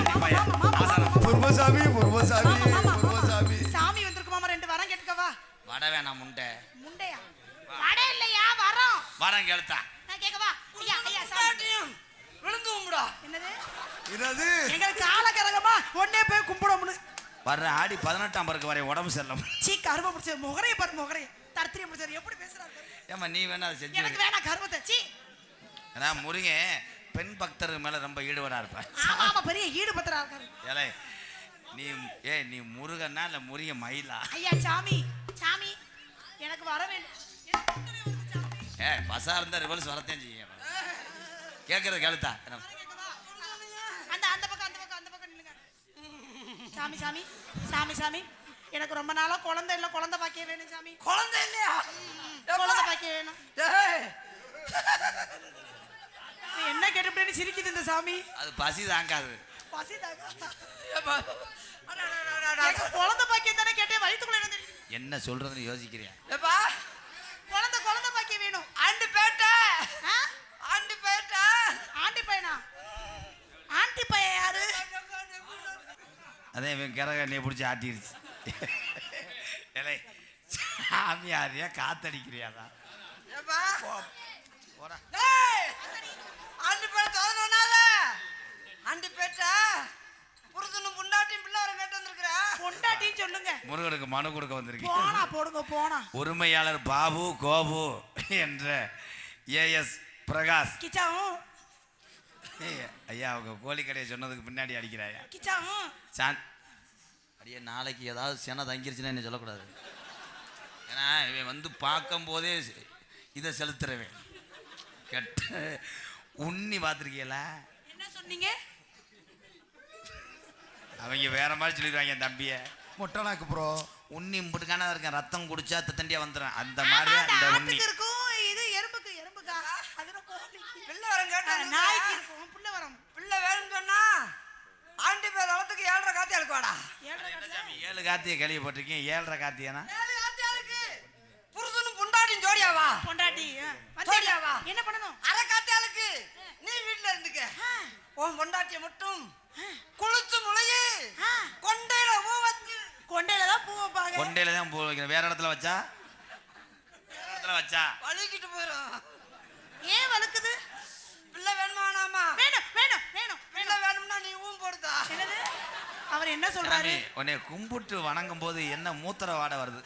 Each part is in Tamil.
புர்வசாமி புர்வசாமி புர்வசாமி சாமி வந்திருக்கு மாமா. 2 வரம் கேட்கவா? வட வேணாம் முண்டை. முண்டையா? வட இல்லையா வரம். வரம் கேளுத்தா. நான் கேட்கவா? ஐயா ஐயா சாமி விழுந்து கும்பிடா. என்னது? என்னது? எங்களுக்கு கால கரகமா ஒண்ணே போய் கும்பிடணும்னு. வர்ற ஆடி 18ஆம் பிறகு வரை உடம்பு சரியில்லை. சீ கரும பிடிச்ச முகரைய பாரு முகரைய. தர்த்திரிய பிடிச்சாரு எப்படி பேசுறாரு? ஏமா நீ வேணா அதை செஞ்சு. எனக்கு வேணா கருமத்தை. சீ. நான் முருகன் பெண் பக்தர் மேல ரொம்ப ஈடுபாடா இருப்பேன். ஆமா ஆமா பெரிய ஈடுபட்டரா இருக்காரு. ஏலே நீ முருகனா இல்ல முருக மயிலா? ஐயா சாமி சாமி எனக்கு வர வேண்டும். பசா இருந்தா ரிவல்ஸ் வரத்தையும் செய்யும். கேட்கறது கேளுத்தா. அந்த பக்கம் நில்லுங்க. சாமி சாமி சாமி சாமி எனக்கு ரொம்ப நாளா குழந்தை இல்ல, குழந்தை பாக்கிய வேணும் சாமி. குழந்தை இல்லையா? குழந்தை பாக்கிய வேணும். என்ன கேட்டு சிரிக்குது இந்த சாமி. அது பசி தாங்காது. பசி தாங்க. குழந்தை பாக்கியம் தானே கேட்டேன். வயிற்றுக்குள்ள என்ன சொல்றதுன்னு யோசிக்கிறியா? குழந்தை பாக்கியம் வேணும். ஆண்டி பேட்டை. ஆண்டி பையனா? ஆண்டி பையன் யாரு? அதே இவன் கிரக நீ பிடிச்சி ஆட்டிருச்சு. ஏலே சாமியாரியா காத்தடிக்கிறியாதா? ஆண்டி பேட்டை தோதனால ஆண்டி பேட்டை புருஷனும் பொண்டாட்டியும் பிள்ளை வர கேட்டு வந்திருக்கிறா. பொண்டாட்டின்னு சொல்லுங்க. முருகனுக்கு மனு கொடுக்க வந்திருக்கேன். போனா போடுங்க போனா. உரிமையாளர் பாபு கோபு என்ற ஏஎஸ் பிரகாஷ். கிச்சாவும் ஐயா அவங்க கோழி கடையை சொன்னதுக்கு பின்னாடி அடிக்கிறாயா? கிச்சாவும் அடியே நாளைக்கு ஏதாவது சென தங்கிருச்சுன்னா என்ன சொல்லக்கூடாது. ஏன்னா இவன் வந்து பார்க்கும் போதே இதை செலுத்துறவன். கெட்ட உண்ணி பார்த்துருக்கீங்களா? என்ன சொன்னீங்க? அவங்க வேற மாதிரி சொல்லிடுவாங்க என் தம்பிய. மொட்டனாக்கு ப்ரோ உண்ணி முட்டுக்கான இருக்கேன். ரத்தம் குடிச்சா தண்டியா வந்துடும். அந்த மாதிரி அந்த உண்ணி இருக்கும். இது எறும்புக்கா அதுல பிள்ளை வர கேட்டு நாய்க்கு இருக்கும். பிள்ளை வேணும்னு சொன்னா ஆண்டி பேர் அளத்துக்கு 7.5 காத்தி அழுக்குவாடா. 7 காத்தியை கேள்விப்பட்டிருக்கேன். 7.5 காத்தியானா? 7 காத்தி அழுக்கு. புருஷனும் பொண்டாட்டியும் ஜோடியாவா? பொண்டாட்டி ஜோடியாவா? என்ன பண்ணணும்? அரை காத்தி அழுக்கு. நீ வீட்டுல இருந்துக்க. உன் பொண்டாட்டிய மட்டும் குளிச்சு முளையே கொண்டையில பூ வச்சு. கொண்டையில தான் பூ வைப்பாங்க. கொண்டையில தான் பூ வைக்கிறேன். வேற இடத்துல வச்சா வலிக்கிட்டு போயிடும். ஏன் வலுக்குது? பிள்ளை வேணுமா வேணாமா? வேணும். பிள்ளை வேணும்னா நீ படுதா. என்னது? அவர் என்ன சொல்றாரு? உன்னை கும்பிட்டு வணங்கும் போது என்ன மூத்திர வாடை வருது?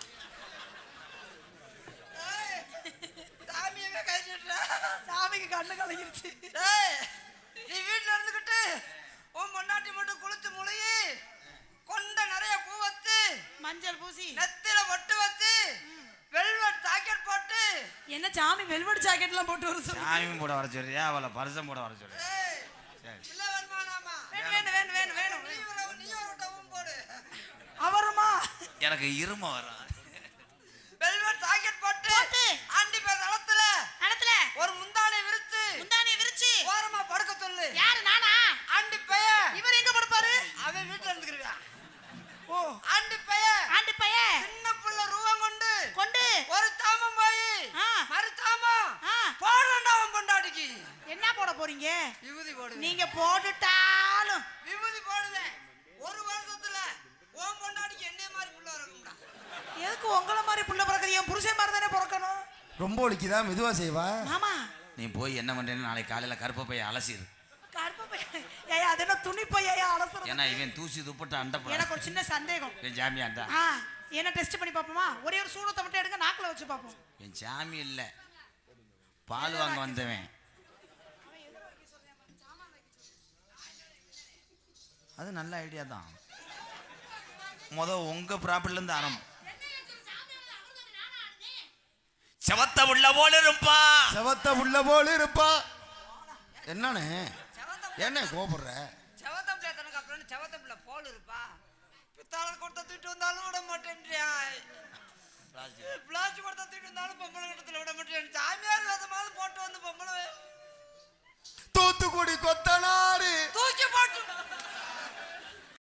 சாமியவே கைச்சிட்டு சாமிக்கு கண்ணு கலங்கிருச்சு. நீ வீட்டுல இருந்துகிட்டு உன் பொண்டாட்டி மட்டும் குளிச்சு முளையே கொண்ட நிறைய பூ வச்சு மஞ்சள் பூசி நெத்தில பொட்டு வச்சு வெல்வெட் ஜாக்கெட் போட்டு. என்ன சாமி வெல்வெட் ஜாக்கெட் எல்லாம் போட்டு வர சொல்லு. சாமி போட வர சொல்றியா? அவளை பரிசம் போட வர சொல்றியா? பிள்ளை வேணுமானாமா? வேணும். நீ ஒரு டவும் போடு. அவருமா? எனக்கு இரும வரும். வெல்வெட் ஜாக்கெட் போட்டு ஆண்டி பேர் தளத்துல ஒரு முந்தானை விரிச்சு ஓரமா படுக்க சொல்லு. யாரு? நானா? ஆண்டி பைய. இவர் எங்க படுப்பாரு? அவன் வீட்டுல இருந்துக்கிருவான். ஓ ஆண்டி பைய சின்ன புள்ள ரூபம் கொண்டு ஒரு தாமம் போய் மறு தாமம் போடணும்டா அவன் பொண்டாட்டிக்கு. என்ன போட போறீங்க? விபூதி போடு. நீங்க போட்டுட்டாலும் விபூதி போடுவேன். ஒரு வருஷத்துல உன் பொண்டாட்டிக்கு என்ன மாதிரி புள்ள இருக்கும்டா. எதுக்கு உங்கள மாதிரி புள்ள பிறக்குது? என் புருஷன் மாதிரி தானே பிறக்கணும். ரொம்ப ஒலிக்குதா? மெதுவா செய்வா. மாமா நீ போய் என்ன பண்றேன்னு நாளைக்கு காலையில கருப்பை பைய அலசிடு. கருப்பு பையன் ஏய் அது என்ன துணி பையா அலசுறது? ஏன்னா இவன் தூசி துப்பட்டு அண்டப்பட. எனக்கு ஒரு சின்ன சந்தேகம். என் ஜாமியாண்டா. என்ன டெஸ்ட் பண்ணி பாப்போமா? ஒரே ஒரு சூடத்தை மட்டும் எடுங்க, நாக்குல வச்சு பாப்போம். என் சாமி இல்ல, பால் வாங்க வந்தவன். அது நல்ல ஐடியா தான். உங்க ப்ராப்பர்ட்டில இருந்து ஆரம்பம். செவத்த உள்ள போல இருப்பா. என்னன்னு என்ன கோபப்படுற? செவத்த பிள்ளை அப்புறம் செவத்த பிள்ளை போல இருப்பா. பித்தாளர் கொடுத்த தூக்கிட்டு வந்தாலும் விட மாட்டேன்றியா. பிளாஸ்டிக் கொடுத்த தூக்கிட்டு வந்தாலும் பொம்பளை கட்டத்துல விட மாட்டேன். சாமியார் வேதமாவது போட்டு வந்து பொம்பளை தூத்துக்குடி கொத்தனாரு தூக்கி போட்டு